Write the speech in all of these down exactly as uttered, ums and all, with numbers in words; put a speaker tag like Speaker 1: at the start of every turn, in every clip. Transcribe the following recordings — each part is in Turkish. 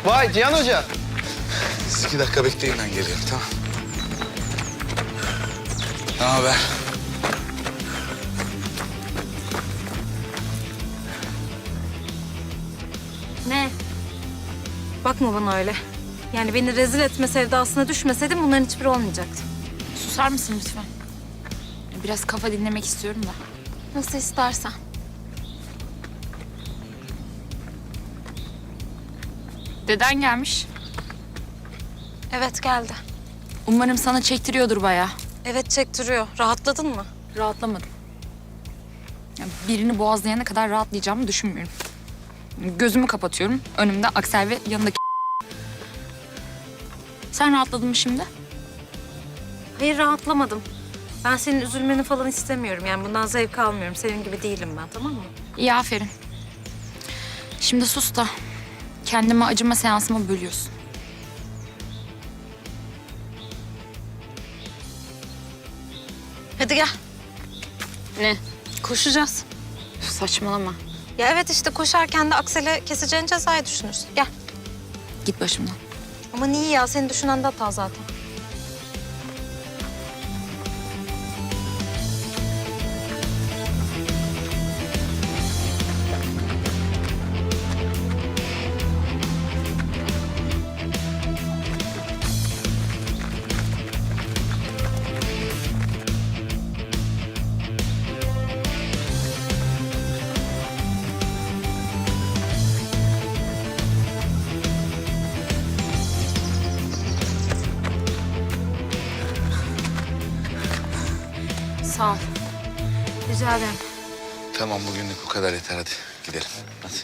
Speaker 1: Vay Cihan Hoca.
Speaker 2: Siz iki dakika bekleyin, ben geliyorum, tamam. Ne haber?
Speaker 3: Ne? Bakma bana öyle. Yani beni rezil etme sevdasına düşmeseydim bunların hiçbiri olmayacaktı.
Speaker 4: Susar mısın lütfen? Biraz kafa dinlemek istiyorum da.
Speaker 3: Nasıl istersen.
Speaker 4: Deden gelmiş.
Speaker 3: Evet geldi.
Speaker 4: Umarım sana çektiriyordur bayağı.
Speaker 3: Evet çektiriyor. Rahatladın mı?
Speaker 4: Rahatlamadım. Ya birini boğazlayana kadar rahatlayacağımı düşünmüyorum. Gözümü kapatıyorum. Önümde Aksel ve yanındaki... Sen rahatladın mı şimdi?
Speaker 3: Hayır rahatlamadım. Ben senin üzülmeni falan istemiyorum. Yani bundan zevk almıyorum. Senin gibi değilim ben, tamam mı?
Speaker 4: İyi, aferin. Şimdi sus da kendime acıma seansımı bölüyorsun.
Speaker 3: Hadi gel. Ne? Koşacağız.
Speaker 4: Üf, saçmalama.
Speaker 3: Ya evet işte koşarken de Aksel'e keseceğin cezayı düşünürsün. Gel.
Speaker 4: Git başımdan.
Speaker 3: Ama niye ya? Seni düşünen de hata zaten.
Speaker 4: Sağ ol.
Speaker 3: Rica ederim.
Speaker 2: Tamam, bugünlük bu kadar yeter, hadi gidelim. Hadi.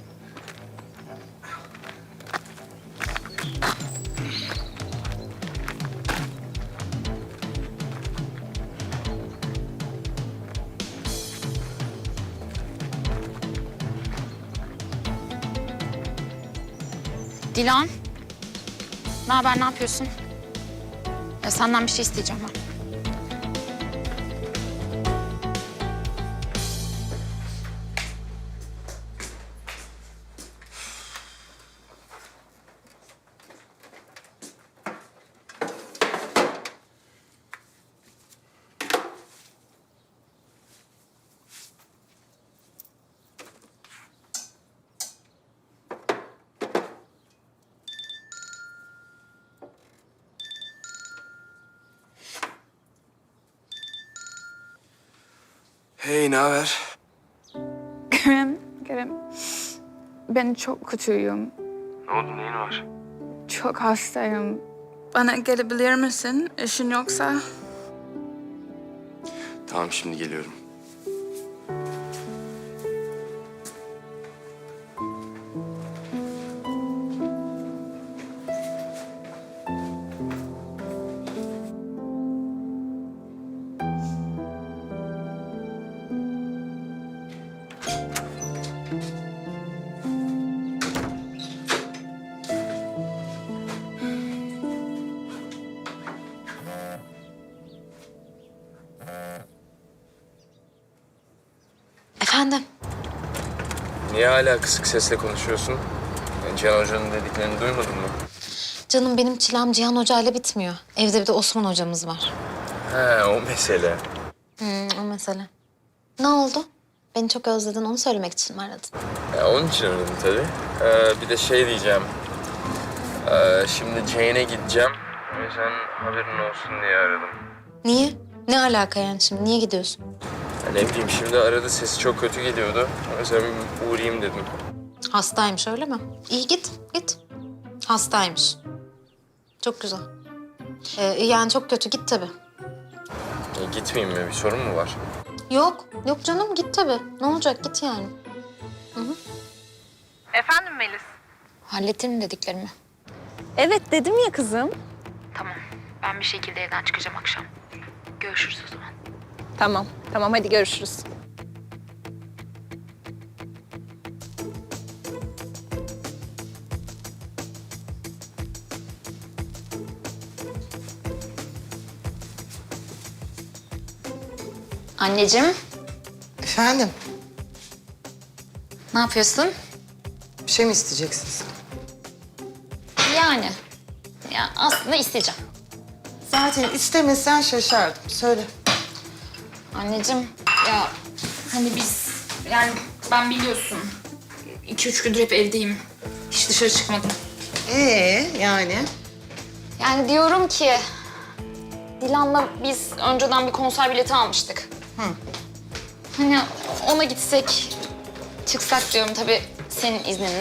Speaker 4: Dilan. Ne haber, ne yapıyorsun? Ya senden bir şey isteyeceğim ben.
Speaker 1: Hey, ne haber?
Speaker 5: Kerem, Kerem. Ben çok kötüyüm.
Speaker 1: Ne oldu, neyin var?
Speaker 5: Çok hastayım. Bana gelebilir misin? İşin yoksa?
Speaker 1: Tamam, şimdi geliyorum.
Speaker 3: Efendim?
Speaker 6: Niye hala kısık sesle konuşuyorsun? Yani Cihan Hoca'nın dediklerini duymadın mı?
Speaker 3: Canım benim çilem Cihan Hoca ile bitmiyor. Evde bir de Osman hocamız var.
Speaker 6: He, o mesele.
Speaker 3: Hmm, o mesele. Ne oldu? Beni çok özledin, onu söylemek için mi aradın?
Speaker 6: Ya, onun için aradım tabii. Ee, bir de şey diyeceğim. Ee, şimdi Jane'e gideceğim. O yüzden haberin olsun diye aradım.
Speaker 3: Niye? Ne alaka yani şimdi? Niye gidiyorsun?
Speaker 6: Ya ne bileyim, şimdi arada sesi çok kötü geliyordu. O yüzden bir uğrayayım dedim.
Speaker 3: Hastaymış öyle mi? İyi git, git. Hastaymış. Çok güzel. Ee, yani çok kötü, git tabii.
Speaker 6: Ya, gitmeyeyim mi? Bir sorun mu var?
Speaker 3: Yok, yok canım git tabii. Ne olacak git yani.
Speaker 7: Efendim Melis?
Speaker 4: Hallettin mi dediklerimi?
Speaker 7: Evet dedim ya kızım.
Speaker 4: Tamam. Ben bir şekilde evden çıkacağım akşam. Görüşürüz o zaman.
Speaker 7: Tamam, tamam hadi görüşürüz.
Speaker 4: Anneciğim,
Speaker 8: Efendim,
Speaker 4: ne yapıyorsun?
Speaker 8: bir şey mi isteyeceksiniz?
Speaker 4: Yani. Ya aslında isteyeceğim.
Speaker 8: Zaten istemesen şaşardım. Söyle.
Speaker 4: Anneciğim ya hani biz yani ben biliyorsun iki üç gündür hep evdeyim. Hiç dışarı çıkmadım.
Speaker 8: Ee yani?
Speaker 4: Yani diyorum ki Dilan'la biz önceden bir konser bileti almıştık.
Speaker 8: Hı.
Speaker 4: Hani ona gitsek, çıksak diyorum tabii senin izninle.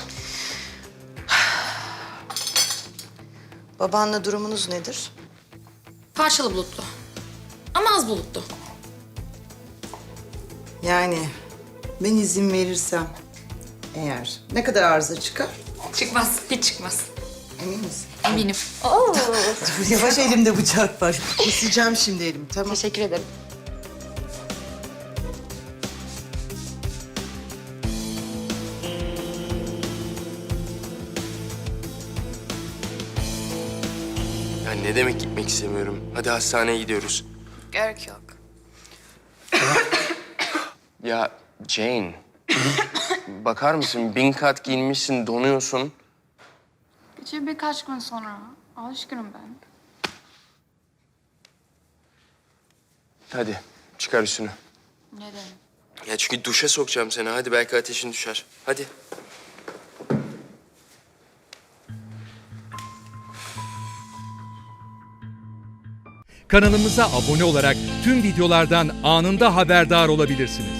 Speaker 8: Babanla durumunuz nedir?
Speaker 4: Parçalı bulutlu. Ama az bulutlu.
Speaker 8: Yani ben izin verirsem eğer ne kadar arıza çıkar?
Speaker 4: Çıkmaz, hiç çıkmaz.
Speaker 8: Emin misin?
Speaker 4: Eminim.
Speaker 8: Dur, yavaş, elimde bıçak var. Keseceğim şimdi elimi, tamam.
Speaker 4: Teşekkür ederim.
Speaker 1: Ya ne demek gitmek istemiyorum? Hadi hastaneye gidiyoruz.
Speaker 4: Gerek yok.
Speaker 1: Ya Jane, bakar mısın? Bin kat giyinmişsin, donuyorsun.
Speaker 5: Geçir birkaç gün sonra. Alışkınım ben.
Speaker 1: Hadi çıkar üstünü.
Speaker 5: Neden?
Speaker 1: Ya çünkü duşa sokacağım seni. Hadi belki ateşin düşer. Hadi.
Speaker 9: Kanalımıza abone olarak tüm videolardan anında haberdar olabilirsiniz.